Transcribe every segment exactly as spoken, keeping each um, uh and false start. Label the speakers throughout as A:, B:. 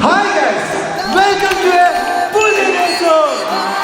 A: Hi guys, welcome to a full episode.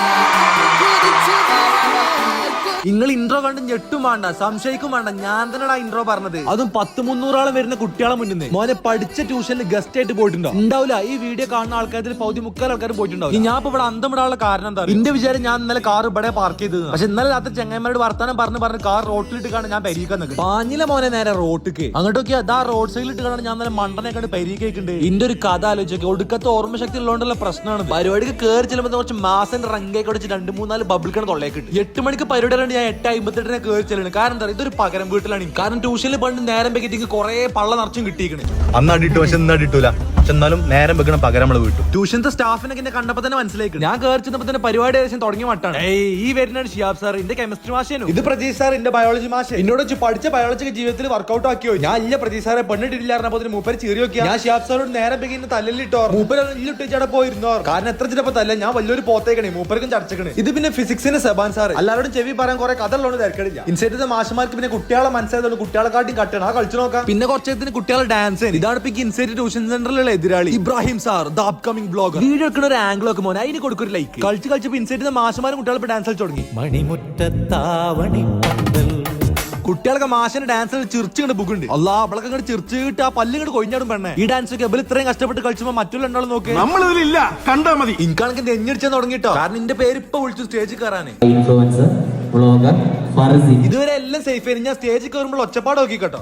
A: നിങ്ങൾ intro കണ്ട് ഞെട്ടും വേണ്ട, സംശയിക്കും വേണ്ട, ഞാൻ തന്നെയാണ് ഇൻട്രോ പറഞ്ഞത്. അതും പത്ത് മുന്നൂറോളം വരുന്ന കുട്ടികളെ മുന്നിൽ മോനെ പഠിച്ച ട്യൂഷനിൽ ഗസ്റ്റ് ആയിട്ട് പോയിട്ടുണ്ടോ? ഉണ്ടാവില്ല. ഈ വീഡിയോ കാണുന്ന ആൾക്കാരിൽ പൗതി മുക്കാൽ ആൾക്കാർ പോയിട്ടുണ്ടാവും. ഞാൻ ഇപ്പൊ ഇവിടെ അന്തം വിടാനുള്ള കാരണം എന്താ? എന്റെ വിചാരം ഞാൻ ഇന്നലെ കാർ ഇവിടെ പാർക്ക് ചെയ്തത്. പക്ഷെ ഇന്നലെ രാത്രി ചെങ്ങന്മാരോട് വർത്താനം പറഞ്ഞ് പറഞ്ഞ് കാർ റോട്ടിലിട്ട് കാണാൻ ഞാൻ പരിഹരിക്കാൻ നിൽക്കും. പാഞ്ഞില മോനെ നേരെ റോട്ടിക്ക് അങ്ങോട്ടൊക്കെ അതാ റോഡ് സൈഡിൽ ഇട്ട് കാണാൻ ഞാൻ ഇന്നലെ മണ്ടനെ കണ്ട് പരിഹരിക്കുന്നുണ്ട്. എന്റെ ഒരു കഥ ആലോചിച്ചൊക്കെ ഒടുക്കത്തെ ഓർമ്മശക്തി ഉള്ളതുകൊണ്ടുള്ള പ്രശ്നമാണ്. പരിപാടിക്ക് കയറി ചെല്ലുമ്പോൾ കുറച്ച് മാസം റങ്കയൊക്കെ വെച്ച് രണ്ട് മൂന്നാല് ബബിൾക്കാണ് തൊള്ളേക്കിട്ട്. എട്ട് മണിക്ക് പരിപാടി ഞാൻ എട്ട് അമ്പത്തെട്ടിനെ കയറി ചെല്ലുന്നത്. കാരണം എന്താ, ഇതൊരു പകരം വീട്ടിലാണ്. കാരണം ട്യൂഷനിൽ പണ്ട് നേരം വെക്കിട്ട് കുറെ പള്ള നിറച്ചും കിട്ടിയിരിക്കണേ.
B: അന്ന് അടിട്ടു, പക്ഷെ ഇന്ന് അടിട്ടൂല. എന്നാലും നേരം വെക്കണം പകരം നമ്മള് വീട്ടു.
A: ട്യൂഷനത്തെ സ്റ്റാഫിനൊക്കെ എന്നെ കണ്ടപ്പോ തന്നെ മനസ്സിലായി. ഞാൻ കയറി ചെന്നപ്പോ തന്നെ പരിപാടി ഏകദേശം തുടങ്ങിയ മട്ടാണ്. ഏയ് ഈ വരുന്നതാണ് ഷിയാബ് സാർ, എന്റെ കെമിസ്ട്രി മാഷേനും. ഇത് പ്രതീഷ് സാർ, എന്റെ ബയോളജി മാഷ്. എന്നോട് വെച്ച് പഠിച്ച ബയോളജി ജീവിതത്തിൽ വർക്ക്ഔട്ട് ആക്കിയോ. ഞാൻ ഇല്ല പ്രതീഷ് സാറെ പെണ്ണിട്ടില്ലായിരുന്നപ്പോ മൂപ്പര് ചീറി നോക്കിയാ. ഞാൻ ഷിയാബ് സാറോട് നേരം വെക്കുന്ന തല്ലിട്ടോ. മൂപ്പര് ഇല്ലിട്ടേച്ചവിടെ പോയിരുന്നോ. കാരണം എത്ര ചിലപ്പോ തല്ല ഞാൻ വലിയൊരു പോത്തേക്കണേ, മൂപ്പർക്കും ചടച്ചക്കണേ. ഇത് പിന്നെ ഫിസിക്സിന് സെബാൻ സാർ. എല്ലാവരോടും ചെവി പറയാൻ കുറെ കഥ ഉള്ളതുകൊണ്ട് തിരക്കടില്ല. ഇൻസൈറ്റിലെ മാഷന്മാർക്ക് പിന്നെ കുട്ടികളെ മനസ്സിലായതുകൊണ്ട് കുട്ടികളെ കാട്ടി കട്ടണം. ആ കളിച്ചു നോക്കാം. പിന്നെ കുറച്ചത്തിന് കുട്ടികളെ ഡാൻസ്. ഇതാണ് ഇപ്പൊ ഇൻസൈറ്റ് ട്യൂഷൻ സെന്ററിലുള്ള എതിരാളി Ibrahim sir, the upcoming blogger. Video എടുക്കുന്ന ഒരു ആംഗിൾ ഒക്കെ മോനെ അതിന് കൊടുക്കൊരു ലൈക്ക്. കളിച്ച് കളിച്ചപ്പോ ഇൻസൈറ്റിലെ മാഷന്മാരും കുട്ടികളെ ഡാൻസ് കളിച്ചു തുടങ്ങി.
C: മണിമുറ്റത്താവണി പന്തൽ
A: കുട്ടികളൊക്കെ മാഷിന് ഡാൻസ് ചിരിച്ചു കണ്ട് ബുക്കുണ്ട്. അല്ലാ അവളൊക്കെ ഇങ്ങോട്ട് ചിരിച്ചിട്ട് ആ പല്ല് ഇങ്ങോട്ട് കൊഴിഞ്ഞാടും പെണ്ണെ. ഈ ഡാൻസ് ഒക്കെ എബിൽ ഇത്രയും കഷ്ടപ്പെട്ട് കളിച്ചപ്പോ മറ്റുള്ള രണ്ടാളും നോക്കി
B: നമ്മളിതിലില്ല, കണ്ടാ മതി.
A: എനിക്കാണെങ്കിൽ നെഞ്ഞടിച്ചാൻ തുടങ്ങിട്ടോ. കാരണം എന്റെ പേര് ഇപ്പൊ വിളിച്ചു സ്റ്റേജിൽ കയറാന്.
C: Influencer vlogger Farsi.
A: ഇതുവരെ എല്ലാം സേഫ് ആയിരുന്നു. ഞാൻ സ്റ്റേജിൽ കയറുമ്പോൾ ഒച്ചപ്പാട് നോക്കി കേട്ടോ.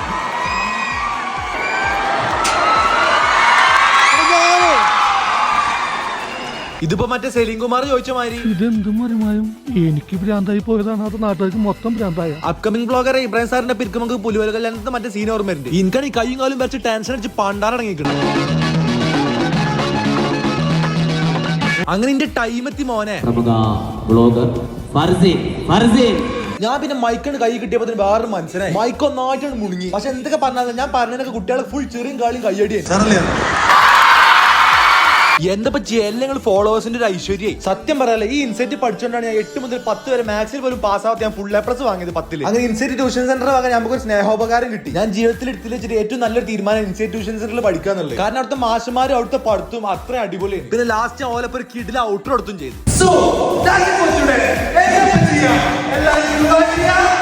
A: ഇതിപ്പോ മറ്റേ സെലിം കുമാർ ചോദിച്ച മാതിരി
D: ഇതെന്തും മറിമായും എനിക്ക് ഭ്രാന്തായി പോയതാണ്, അത് നാട്ടുകാർക്ക് മൊത്തം ഭ്രാന്തായ.
A: അപ്കമിംഗ് ബ്ലോഗർ ഇബ്രാഹിം സാറിന്റെ പിരിക്ക് നമുക്ക് പുലുവല കല്യാണത്തെ മറ്റേ സീൻ ഓർമ്മയുണ്ട്. എനിക്കാണ് ഈ കൈയും കാലും വെച്ച് ടെൻഷൻ അടിച്ച് പണ്ടാറടങ്ങിക്കണം. അങ്ങനെ എന്റെ ടൈം എത്തി മോനെ. ഞാൻ പിന്നെ മൈക്കാണ് കൈ കിട്ടിയപ്പോ വേറെ മനസ്സിലായി. മൈക്ക് ഒന്നായിട്ടാണ് മുണുങ്ങി. പക്ഷെ എന്തൊക്കെ പറഞ്ഞാൽ ഞാൻ പറഞ്ഞതൊക്കെ കുട്ടികളെ ഫുൾ ചെറിയും കാളിയും കയ്യടിയായി. എന്താ എല്ലാം ഫോളോവേഴ്സിന്റെ ഒരു ഐശ്വര്യായി. സത്യം പറയാലോ, ഈ ഇൻസെറ്റ് പഠിച്ചുകൊണ്ടാണ് ഞാൻ എട്ട് മുതൽ പത്ത് വരെ മാത്സിൽ പോലും പാസ്സാവാത്ത ഞാൻ ഫുൾ എ പ്ലസ് വാങ്ങിയത് പത്തില്. അങ്ങനെ ഇൻസെറ്റ് ട്യൂഷൻ സെന്റർ വാങ്ങാൻ നമുക്ക് ഒരു സ്നേഹോപകാരം കിട്ടി. ഞാൻ ജീവിതത്തിൽ എടുത്തിൽ വെച്ചിട്ട് ഏറ്റവും നല്ലൊരു തീരുമാനം ഇൻസെറ്റ് ട്യൂഷൻ സെന്ററിൽ പഠിക്കാന്നുള്ളത്. കാരണം അവിടുത്തെ മാഷന്മാരും അവിടുത്തെ പഠിത്തവും അത്ര അടിപൊളിയാണ്. പിന്നെ ലാസ്റ്റ് ഓലപ്പോ ഒരു കിഡിൽ ഔട്ടർ എടുത്തും ചെയ്തു.